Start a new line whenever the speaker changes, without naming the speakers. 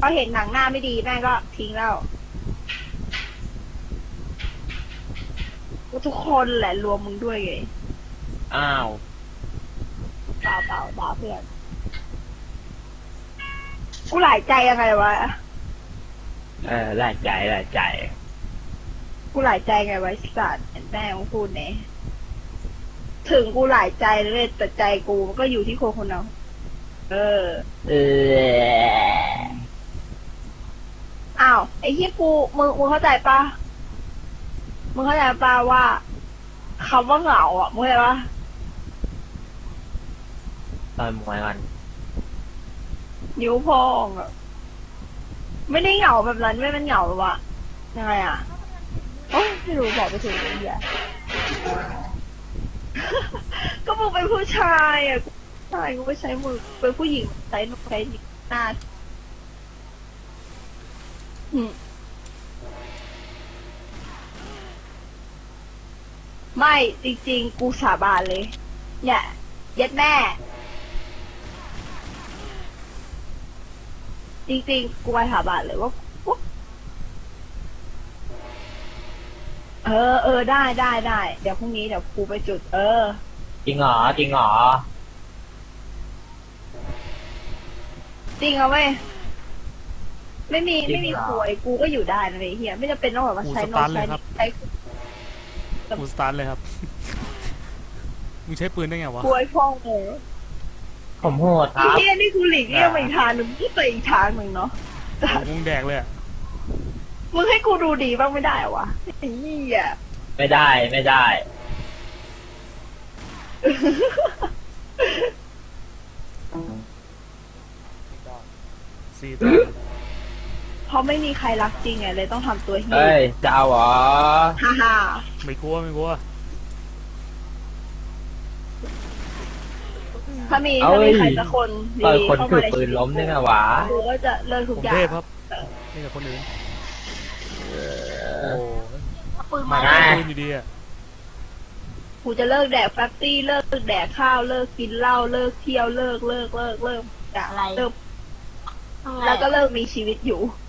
อเห็นหนังหน้าไม่ดีแม่งก็ทิ้งแล้วก็ทุกคนแหละรวมมึงด้วยไง
อ้าว
เปล่าด่าเพื่อนกูหลายใจยังไงวะ
หลายใจหลายใจ
กูหลายใจไงวะไอ้สัตว์แม่งพูดเนี่ยถึงกูหลายใจเลยแต่ใจกูมันก็อยู่ที่คนคนนั้นเออ
เออ
อ้าวไอ้ที่กูมึงเข้าใจปะมึงเข้าใจปะว่าคำว่าเหงาอ่ะมึงเข้าใจปะ
ตอนมวยมัน
นิ้วพองอ่ะไม่ได้เหงาแบบนั้นไม่เป็นเหงาหรอวะยังไงอ่ะโอ้ยไม่รู้บอกไปถึงไอ้เหี้ย ก็มึงเป็นผู้ชายอ่ะใช่กูไม่ใช้มือเป็นผู้หญิงใช้ใช้หน้าอืมไม่จริงๆกูสาบานเลยเนี่ยเย็ดแม่จริงๆกูไปสาบานเลยว่าได้เดี๋ยวพรุ่งนี้เดี๋ยวกูไปจุด
จริงเหรอจริงเหรอ
จริงเอาไว้ยไม่มี
จริ
ไม่
ง
มี
เหรอ
ควยกูก็อยู่ได้นะเฮียไม่จำเป็นต้องแบบว่า
กู
ใช้
ส
โน้
ตา
ต
ร์ทเล
ใช้
ยครับ
ใช้
กูสตาร์ทเลยครับ มึงใช้ปืนได้ไงวะ
ควยพ่องเลย
ผมโหดค
ไอ้
รับ
เฮียนี่กูหลีกเลี่ยงไปอีกทางหนึ่งที่ไปอีกทางหนึ่งเนาะ
มึงแดกเลยอะ
มึงให้กูดูดีบ้างไม่ได้เหรอวะไอ้เฮีย
ไม่ได้ไม่ได้
สี่ตัว
เพราะไม่มีใครรักจริงไงเลยต้องทำตัวเฮีย
เฮ้ยจะเอาเหรอ
ฮ่า
ไม่กลัวไม่กลัว
ถ้ามีใครสักคน
ต่อย
ดี
คน
เข้า
ถื
มา
อ
ใน
ปื
ชี
น
วิต
ล้มได้ไงวะ
กูก็จะเลิก
ผ
ทุก
ม
อย่า
เท
ง
พครับนี่กับคนอื่นโอ้
ปืน
มา
มา
ได้
ได้
ปืนอยู่ดีอะ
กูจะเลิกแดกแฟตตี้เลิกแดกข้าวเลิกกินเหล้าเลิกเที่ยวเลิกอย่าเลิกแล้วก็เลิกมีชีวิตอยู่